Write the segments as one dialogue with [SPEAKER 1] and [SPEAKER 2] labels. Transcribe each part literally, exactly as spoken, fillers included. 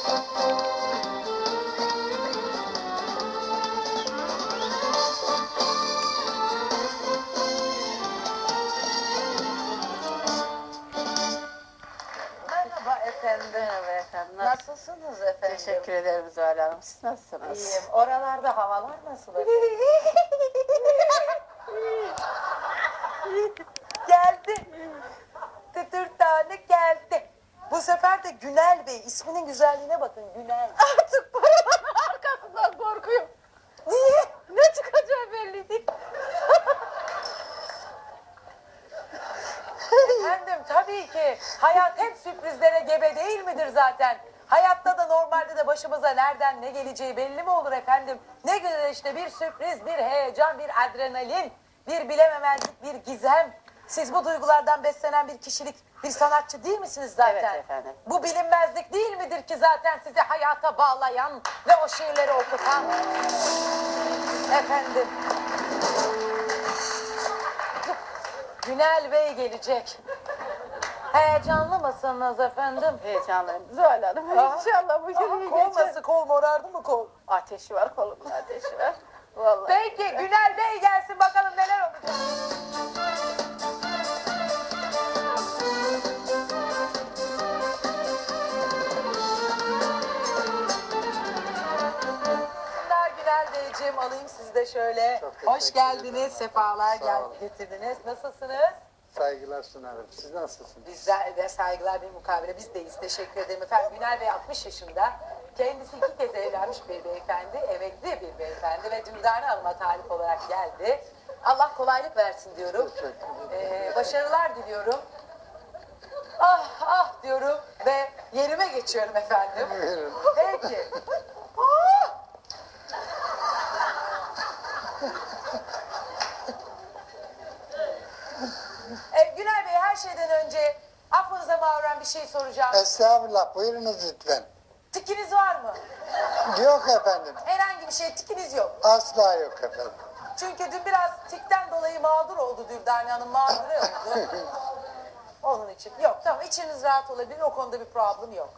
[SPEAKER 1] Merhaba efendim.
[SPEAKER 2] Merhaba efendim.
[SPEAKER 1] Nasılsınız efendim?
[SPEAKER 2] Teşekkür ederim Zuhal Hanım. Siz nasılsınız?
[SPEAKER 1] İyiyim. Oralarda havalar nasıl efendim? Geldi. Tütür tane geldi. Bu sefer de Günel Bey. İsminin güzelliğine bakın. Günel.
[SPEAKER 2] Artık paravanın arkasından korkuyorum.
[SPEAKER 1] Niye?
[SPEAKER 2] Ne çıkacağı belli değil.
[SPEAKER 1] Efendim tabii ki hayat hep sürprizlere gebe değil midir zaten? Hayatta da normalde de başımıza nereden ne geleceği belli mi olur efendim? Ne güzel işte bir sürpriz, bir heyecan, bir adrenalin, bir bilememezlik, bir gizem. Siz bu duygulardan beslenen bir kişilik, bir sanatçı değil misiniz zaten?
[SPEAKER 2] Evet efendim.
[SPEAKER 1] Bu bilinmezlik değil midir ki zaten sizi hayata bağlayan ve o şiirleri okutan? Efendim. Günel Bey gelecek. Heyecanlı mısınız efendim?
[SPEAKER 2] Heyecanlıyım Zuhal Hanım. İnşallah bu günü
[SPEAKER 1] Kol
[SPEAKER 2] geçer.
[SPEAKER 1] nasıl? Kol morardı mı kol?
[SPEAKER 2] Ateşi var kolumda, ateşi var. Vallahi.
[SPEAKER 1] Peki Günel Bey gelsin bakalım neler olacak. Günler Günel Beyciğim alayım sizi de şöyle.
[SPEAKER 3] Çok teşekkür
[SPEAKER 1] Hoş geldiniz,
[SPEAKER 3] ederim.
[SPEAKER 1] sefalar
[SPEAKER 3] Sağ
[SPEAKER 1] gel
[SPEAKER 3] olun.
[SPEAKER 1] getirdiniz. Nasılsınız?
[SPEAKER 3] Saygılar sunarım. Siz nasılsınız?
[SPEAKER 1] Bizler de saygılar bir mukabele biz deyiz. Teşekkür ederim efendim. Günel Bey altmış yaşında. Kendisi iki kez evlenmiş bir beyefendi, emekli bir beyefendi ve Dündane Hanım'a talip olarak geldi. Allah kolaylık versin diyorum.
[SPEAKER 3] Teşekkür ederim.
[SPEAKER 1] Ee, başarılar diliyorum. Ah ah diyorum ve yerime geçiyorum efendim.
[SPEAKER 3] Buyurun.
[SPEAKER 1] Peki. Ah! Ee, Günel Bey her şeyden önce affınıza mağruren bir şey soracağım.
[SPEAKER 3] Estağfurullah. Buyurunuz lütfen.
[SPEAKER 1] Tikiniz var mı?
[SPEAKER 3] Yok efendim.
[SPEAKER 1] Herhangi bir şey tikiniz yok.
[SPEAKER 3] Asla yok efendim.
[SPEAKER 1] Çünkü dün biraz tikten dolayı mağdur oldu Dürdane Hanım, mağdur oldu. Onun için. Yok tamam, içiniz rahat olabilir, o konuda bir problem yok.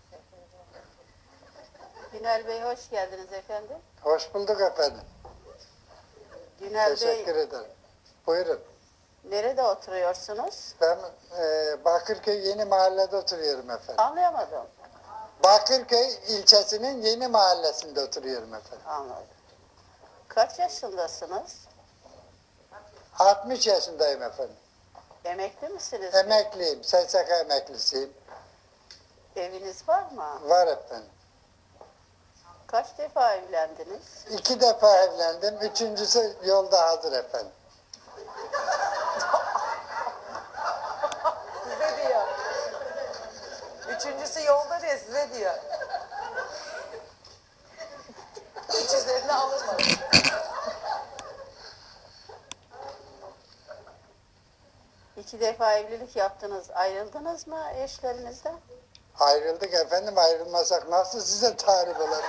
[SPEAKER 2] Günel Bey hoş geldiniz efendim.
[SPEAKER 3] Hoş bulduk efendim.
[SPEAKER 2] Günel
[SPEAKER 3] Teşekkür
[SPEAKER 2] Bey
[SPEAKER 3] ederim. Buyurun.
[SPEAKER 2] nerede oturuyorsunuz?
[SPEAKER 3] Ben e, Bakırköy Yeni Mahalle'de oturuyorum efendim.
[SPEAKER 2] Anlayamadım.
[SPEAKER 3] Bakırköy ilçesinin Yeni Mahallesi'nde oturuyorum efendim.
[SPEAKER 2] Anladım. Kaç yaşındasınız?
[SPEAKER 3] altmış yaşındayım efendim.
[SPEAKER 2] Emekli misiniz?
[SPEAKER 3] Emekliyim. S S K emeklisiyim.
[SPEAKER 2] Eviniz var mı?
[SPEAKER 3] Var efendim.
[SPEAKER 2] Kaç defa evlendiniz?
[SPEAKER 3] İki defa evlendim. Üçüncüsü yolda hazır efendim.
[SPEAKER 1] Size diyor. Üçüncüsü yolda diye size diyor. Hiç üzerine alınmadı.
[SPEAKER 2] İki defa evlilik yaptınız. Ayrıldınız mı eşlerinizden?
[SPEAKER 3] Ayrıldık efendim, ayrılmasak nasıl size tarif ederim?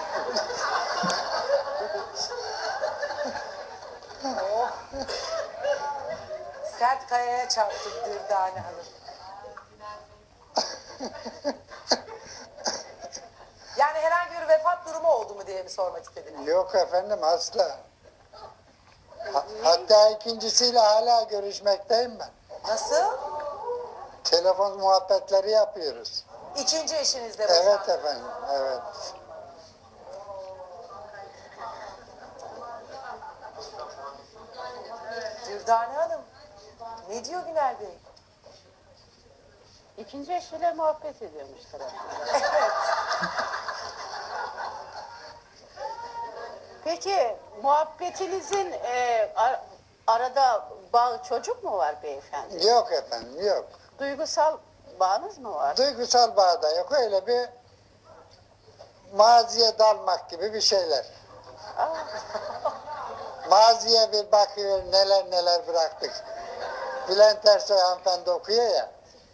[SPEAKER 1] Oh. Sert kayaya çarptık Dürdane Hanım. Yani herhangi bir vefat durumu oldu mu diye mi sormak istediniz?
[SPEAKER 3] Yok efendim, asla. Ha- hatta ikincisiyle hala görüşmekteyim ben.
[SPEAKER 1] Nasıl?
[SPEAKER 3] Telefon muhabbetleri yapıyoruz.
[SPEAKER 1] İkinci eşinizle
[SPEAKER 3] Evet
[SPEAKER 1] boşandınız.
[SPEAKER 3] efendim, evet.
[SPEAKER 1] Dürdane Hanım, ne diyor Günel Bey?
[SPEAKER 2] İkinci eşiyle muhabbet ediyormuşlar.
[SPEAKER 1] Evet.
[SPEAKER 2] Peki muhabbetinizin e, ar- arada bağ çocuk mu var beyefendi?
[SPEAKER 3] Yok efendim, yok.
[SPEAKER 2] Duygusal bağınız mı var?
[SPEAKER 3] Duygusal bağ da yok, öyle bir maziye dalmak gibi bir şeyler.
[SPEAKER 2] Aa,
[SPEAKER 3] Maziye bir bakıyor, neler neler bıraktık. Bülent Ersoy hanımefendi okuyor ya.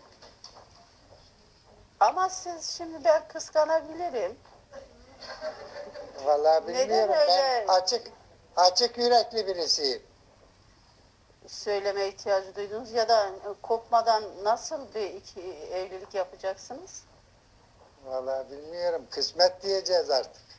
[SPEAKER 2] ama siz şimdi ben kıskanabilirim.
[SPEAKER 3] Vallahi
[SPEAKER 2] Neden
[SPEAKER 3] bilmiyorum,
[SPEAKER 2] öyle?
[SPEAKER 3] ben açık açık yürekli birisiyim.
[SPEAKER 2] Söyleme ihtiyacı duydunuz ya da kopmadan nasıl bir iki evlilik yapacaksınız?
[SPEAKER 3] Vallahi bilmiyorum. Kısmet diyeceğiz artık.